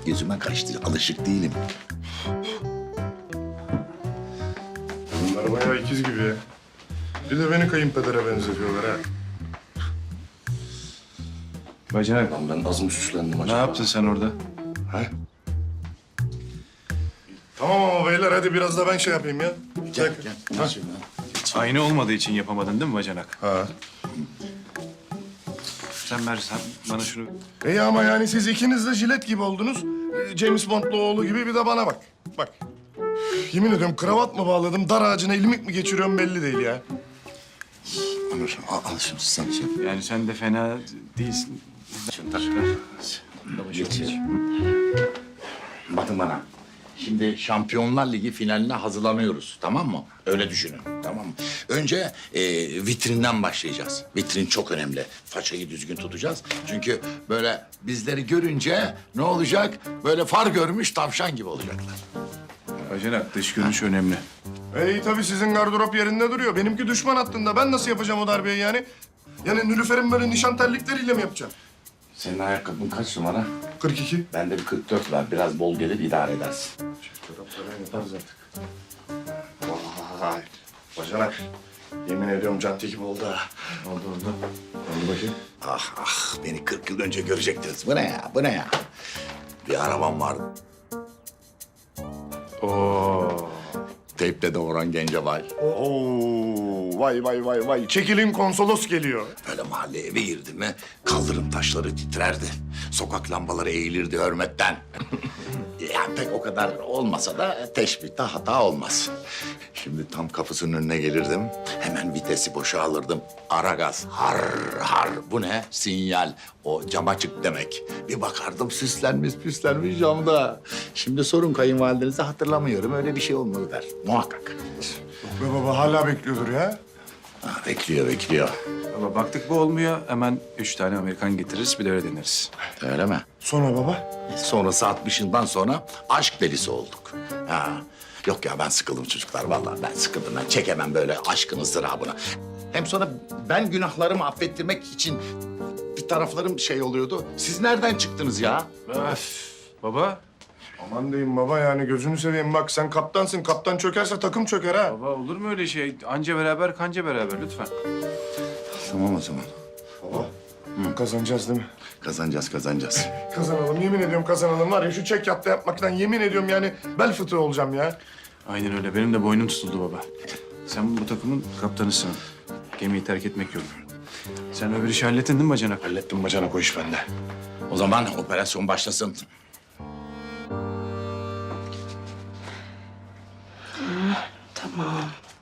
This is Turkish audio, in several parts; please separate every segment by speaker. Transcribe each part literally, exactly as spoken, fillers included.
Speaker 1: Gözüme kaçtı. Alışık değilim.
Speaker 2: Bunlar bayağı ikiz gibi ya. Bir de beni kayınpedere benzetiyorlar ha.
Speaker 3: Bacanak,
Speaker 1: Lan ben az mı süslendim
Speaker 3: ne
Speaker 1: acaba?
Speaker 3: yaptın sen orada?
Speaker 2: Ha? Tamam ama beyler hadi biraz da ben şey yapayım ya.
Speaker 1: Gel gel.
Speaker 2: Ha.
Speaker 1: Geç ya.
Speaker 3: Aynı olmadığı için yapamadın değil mi bacanak?
Speaker 2: Ha.
Speaker 3: Sen ver, sen bana şunu...
Speaker 2: İyi ama yani siz ikiniz de jilet gibi oldunuz. Ee, James Bond'lu oğlu gibi bir de bana bak. Bak. Üf, yemin ediyorum kravat mı bağladım, dar ağacına ilmik mi geçiriyorum belli değil ya.
Speaker 1: Onur al, al şunu sen şey yap.
Speaker 3: Yani sen de fena değilsin.
Speaker 1: Şunu tak. Geç. Bakın bana. Şimdi Şampiyonlar Ligi finaline hazırlanıyoruz, tamam mı? Öyle düşünün, tamam mı? Önce e, vitrinden başlayacağız. Vitrin çok önemli. Façayı düzgün tutacağız. Çünkü böyle bizleri görünce ne olacak? Böyle far görmüş tavşan gibi olacaklar.
Speaker 3: Bacanak, dış görünüş önemli.
Speaker 2: İyi tabii sizin gardırop yerinde duruyor. Benimki düşman hattında. Ben nasıl yapacağım o darbeyi yani? Yani Nilüfer'in böyle nişan terlikleriyle mi yapacağım?
Speaker 1: Senin ayakkabın kaç numara?
Speaker 2: kırk iki.
Speaker 1: Bende bir kırk dört var. Biraz bol gelir, idare edersin.
Speaker 2: Çorapları yaparız artık. Vay. Bacanak. Yemin ediyorum cadde gibi oldu ha.
Speaker 3: Oldu oldu. Oldu bakayım.
Speaker 1: Ah ah, beni kırk yıl önce görecektiniz. Bu ne ya, bu ne ya? Bir arabam vardı.
Speaker 3: Oo.
Speaker 1: Teyple de Orhan Gencebay.
Speaker 2: Oo, vay vay vay vay. Çekilin konsolos geliyor.
Speaker 1: Böyle mahalle eve girdi mi kaldırım taşları titrerdi. Sokak lambaları eğilirdi hürmetten. Yani pek o kadar olmasa da teşbihte hata olmaz. Şimdi tam kapısının önüne gelirdim. Hemen vitesi boşa alırdım. Ara gaz. Har har. Bu ne? Sinyal. O cam açık demek. Bir bakardım süslenmiş püslenmiş camda. Şimdi sorun kayınvalidenizi hatırlamıyorum. Öyle bir şey olmadı der. Muhakkak.
Speaker 2: Be baba hala bekliyordur ya.
Speaker 1: Ha, bekliyor bekliyor.
Speaker 3: Ama baktık bu olmuyor. Hemen üç tane Amerikan getiririz, bir de öyle deneriz.
Speaker 1: Öyle mi?
Speaker 2: Sonra baba?
Speaker 1: Sonrası altmışından sonra aşk delisi olduk. Ha. Yok ya ben sıkıldım çocuklar vallahi ben sıkıldım. Ben çekemem böyle aşkın ızdırabını. Hem sonra ben günahlarımı affettirmek için bir taraflarım şey oluyordu. Siz nereden çıktınız ya?
Speaker 3: Öf. Baba.
Speaker 2: Aman diyeyim baba yani gözünü seveyim. Bak sen kaptansın. Kaptan çökerse takım çöker ha.
Speaker 3: Baba olur mu öyle şey? Anca beraber, kanca beraber lütfen.
Speaker 1: Tamam o zaman.
Speaker 2: Baba. Kazanacağız değil mi?
Speaker 1: Kazanacağız kazanacağız.
Speaker 2: Kazanalım. Yemin ediyorum kazanalım. Var ya şu çek yatta yapmaktan yemin ediyorum yani bel fıtığı olacağım ya.
Speaker 3: Aynen öyle. Benim de boynum tutuldu baba. Sen bu takımın kaptanısın. Gemiyi terk etmek yok. Sen öbür işi hallettin değil mi bacanak?
Speaker 2: Hallettim bacanak o iş bende.
Speaker 1: O zaman operasyon başlasın.
Speaker 4: Tamam.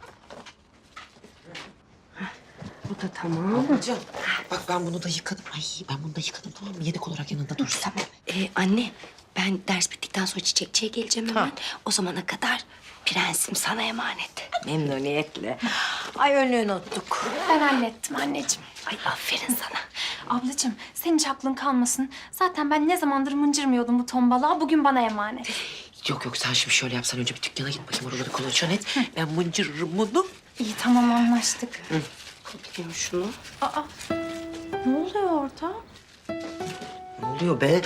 Speaker 4: Bu da tamam.
Speaker 5: Hocam bak ben bunu da yıkadım. Ay ben bunu da yıkadım tamam mı? Yedek olarak yanında dursun.
Speaker 4: Tamam. Ee, anne, ben ders bittikten sonra çiçekçiye geleceğim hemen. O zamana kadar prensim sana emanet.
Speaker 5: Memnuniyetle. Ay önlüğünü unuttuk.
Speaker 6: Ben hallettim anneciğim.
Speaker 4: Ay aferin sana.
Speaker 6: Ablacığım senin hiç aklın kalmasın. Zaten ben ne zamandır mıncırmıyordum bu tombalığa. Bugün bana emanet.
Speaker 5: Yok yok sen şimdi şöyle yapsan önce bir dükkana git bakayım oraları kolaçan et. Ben mıncırırım bunu.
Speaker 6: İyi tamam anlaştık.
Speaker 4: Kapayım şunu.
Speaker 6: Aa ne oluyor orada?
Speaker 5: Ne oluyor be?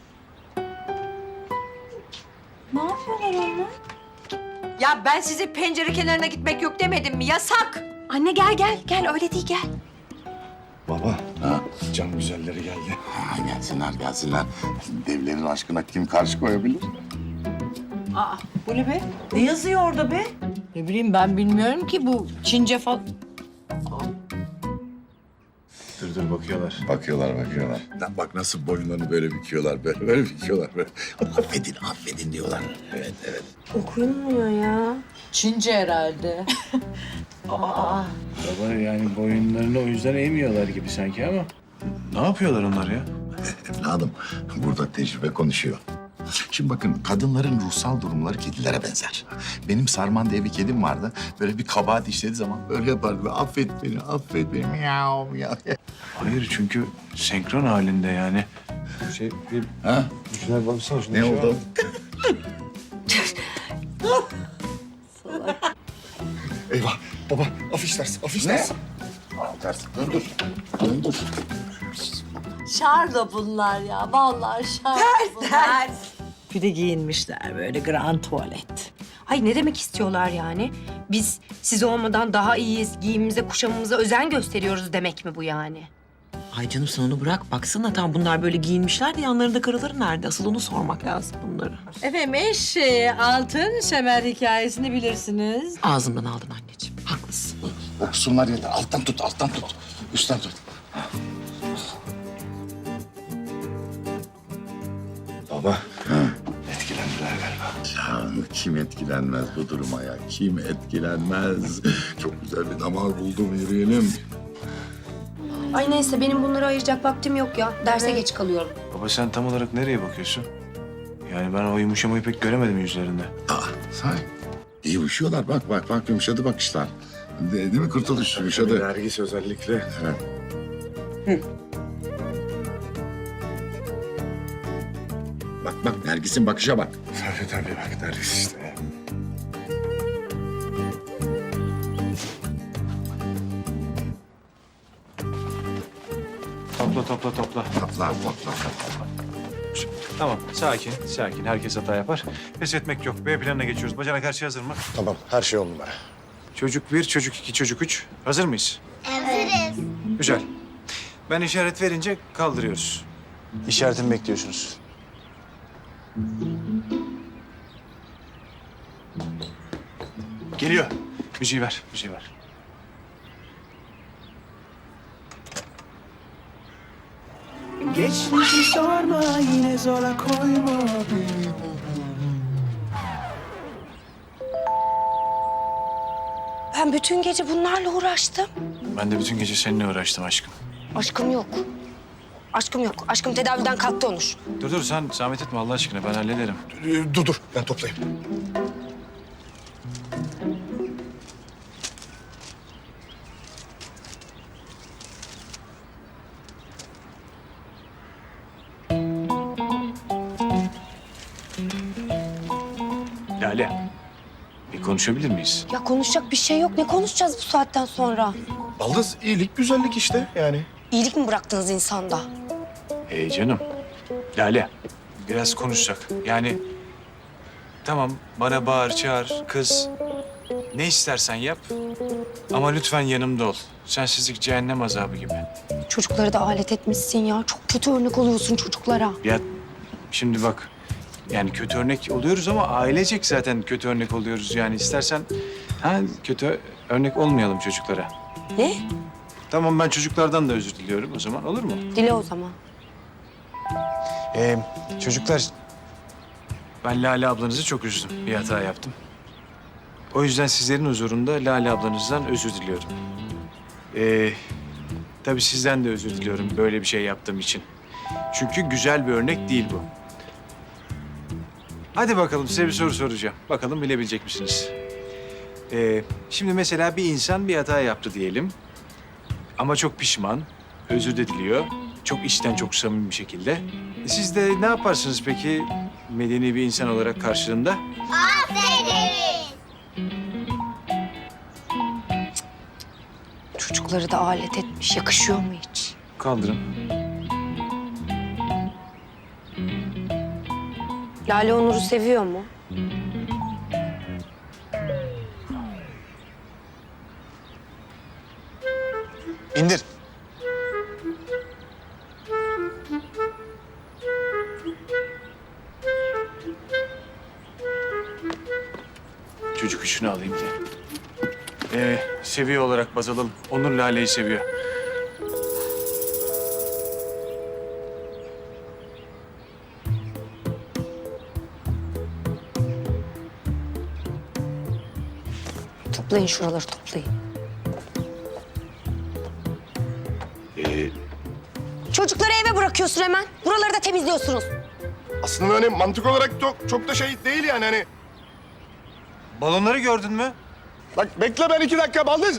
Speaker 6: Ne yapıyorlar onlar?
Speaker 5: Ya ben size pencere kenarına gitmek yok demedim mi? Yasak.
Speaker 6: Anne gel gel gel öyle değil gel.
Speaker 2: Baba.
Speaker 1: Ha.
Speaker 2: Cam güzelleri geldi.
Speaker 1: Ha, gelsinler gelsinler. Devlerin aşkına kim karşı koyabilir?
Speaker 5: Aa bu ne be? Ne yazıyor orada be? Ne bileyim ben bilmiyorum ki bu Çince falan.
Speaker 3: Dur dur bakıyorlar.
Speaker 1: Bakıyorlar, bakıyorlar. Bak nasıl boyunlarını böyle büküyorlar, böyle, böyle büküyorlar. Böyle. Affedin, affedin diyorlar. Evet, evet.
Speaker 4: Okunmuyor ya.
Speaker 5: Çince herhalde.
Speaker 3: Baba yani boyunlarını o yüzden eğmiyorlar gibi sanki ama. Ne yapıyorlar onlar ya?
Speaker 1: Evladım, burada tecrübe konuşuyor. Şimdi bakın, kadınların ruhsal durumları kedilere benzer. Benim Sarman diye bir kedim vardı. Böyle bir kabahat işlediği zaman böyle yapardı. Affet beni, affet beni. Miyav, miyav.
Speaker 3: Hayır çünkü senkron halinde yani. Şey bir
Speaker 1: Ha?
Speaker 3: şuna baksana şuna.
Speaker 1: Ne oldu?
Speaker 2: Eyvah. Baba afiş ders, afiş
Speaker 1: Ne?
Speaker 2: ders.
Speaker 1: Ters, döndür. Döndür.
Speaker 7: Şarla bunlar ya. Vallahi şarla bunlar.
Speaker 5: Ters. Bir de giyinmişler böyle grand tuvalet.
Speaker 4: Ay ne demek istiyorlar yani? Biz siz olmadan daha iyiyiz, giyimimize, kuşamımıza özen gösteriyoruz demek mi bu yani?
Speaker 7: Ay canım sen onu bırak. Baksana tam bunlar böyle giyinmişler de yanlarında karıları nerede? Asıl onu sormak lazım bunları.
Speaker 5: Efendim eşeği altın semer hikayesini bilirsiniz.
Speaker 7: Ağzımdan aldın anneciğim. Haklısın.
Speaker 1: Okusunlar yeter. Alttan tut, alttan tut. Üstten tut.
Speaker 2: Baba. Etkilendiler galiba.
Speaker 1: Ya kim etkilenmez bu duruma ya? Kim etkilenmez? Çok güzel bir damar buldum, yürüyelim.
Speaker 4: Ay neyse benim bunları ayıracak vaktim yok ya. Derse geç kalıyorum.
Speaker 3: Baba sen tam olarak nereye bakıyorsun? Yani ben o yumuşamayı pek göremedim yüzlerinde.
Speaker 1: Aa, sahi. İyi yumuşuyorlar. Bak bak bak yumuşadı bakışlar. De, değil mi Kurtuluş? Yumuşadı.
Speaker 2: Nergis özellikle.
Speaker 1: Evet. Bak bak Nergis'in bakışa bak.
Speaker 2: Tabii tabii bak Nergis işte.
Speaker 3: Topla topla topla.
Speaker 1: Topla topla topla.
Speaker 3: Tamam sakin sakin. Herkes hata yapar. Pes etmek yok. B planına geçiyoruz. Bacana karşı hazır mı?
Speaker 2: Tamam her şey on numara.
Speaker 3: Çocuk bir, çocuk iki, çocuk üç. Hazır mıyız? Hazırız. Güzel. Ben işaret verince kaldırıyoruz. İşaretimi bekliyorsunuz. Geliyor. Müziği ver, müziği ver.
Speaker 8: Geçmişi sorma yine zora koyma.
Speaker 4: Ben bütün gece bunlarla uğraştım.
Speaker 3: Ben de bütün gece seninle uğraştım aşkım.
Speaker 4: Aşkım yok. Aşkım yok. Aşkım tedaviden kalktı Onur.
Speaker 3: Dur dur sen zahmet etme Allah aşkına ben hallederim.
Speaker 2: Ee, dur dur ben toplayayım.
Speaker 3: Lale, bir konuşabilir miyiz?
Speaker 4: Ya konuşacak bir şey yok. Ne konuşacağız bu saatten sonra?
Speaker 2: Baldız iyilik güzellik işte yani.
Speaker 4: İyilik mi bıraktınız insanda?
Speaker 3: Hey canım, Lale biraz konuşsak. Yani tamam bana bağır, çağır, kız. Ne istersen yap ama lütfen yanımda ol. Sensizlik cehennem azabı gibi.
Speaker 4: Çocukları da alet etmişsin ya. Çok kötü örnek oluyorsun çocuklara.
Speaker 3: Ya şimdi bak yani kötü örnek oluyoruz ama ailecek zaten kötü örnek oluyoruz. Yani istersen ha, kötü örnek olmayalım çocuklara.
Speaker 4: Ne?
Speaker 3: Tamam ben çocuklardan da özür diliyorum o zaman olur mu?
Speaker 4: Dile o zaman.
Speaker 3: Ee, çocuklar ben Lale ablanızı çok üzdüm. Bir hata yaptım. O yüzden sizlerin huzurunda Lale ablanızdan özür diliyorum. Ee, tabii sizden de özür diliyorum böyle bir şey yaptığım için. Çünkü güzel bir örnek değil bu. Hadi bakalım size bir soru soracağım. Bakalım bilebilecek misiniz? Ee, şimdi mesela bir insan bir hata yaptı diyelim. Ama çok pişman, özür de diliyor. Çok içten, çok samimi bir şekilde. Siz de ne yaparsınız peki medeni bir insan olarak karşılığında?
Speaker 4: Çocukları da alet etmiş. Yakışıyor mu hiç?
Speaker 3: Kaldırın.
Speaker 4: Lale Onur'u seviyor mu?
Speaker 3: İndir. Çocuk üçünü alayım diye. Ee, seviye olarak baz alalım. Onur Lale'yi seviyor.
Speaker 4: Toplayın şuraları toplayın.
Speaker 3: Ee,
Speaker 4: Çocukları eve bırakıyorsun hemen. Buraları da temizliyorsunuz.
Speaker 2: Aslında hani mantık olarak çok, çok da şey değil yani hani.
Speaker 3: balonları gördün mü?
Speaker 2: Bak bekle ben iki dakika Baldız.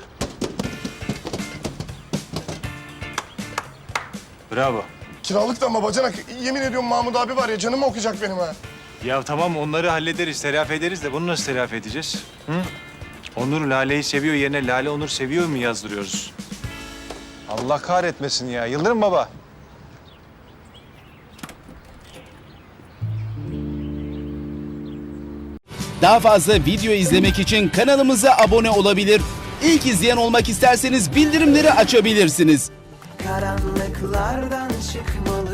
Speaker 3: Bravo.
Speaker 2: Kiralık da ama bacanak. Yemin ediyorum Mahmut abi var ya canımı okuyacak benim ha.
Speaker 3: Ya tamam onları hallederiz, telafi ederiz de bunu nasıl telafi edeceğiz? Hı? Onur Lale'yi seviyor yerine Lale Onur seviyor mu yazdırıyoruz? Allah kahretmesin ya. Yıldırım baba.
Speaker 9: Daha fazla video izlemek için kanalımıza abone olabilir. İlk izleyen olmak isterseniz bildirimleri açabilirsiniz.
Speaker 8: Karanlıklardan çıkmalı.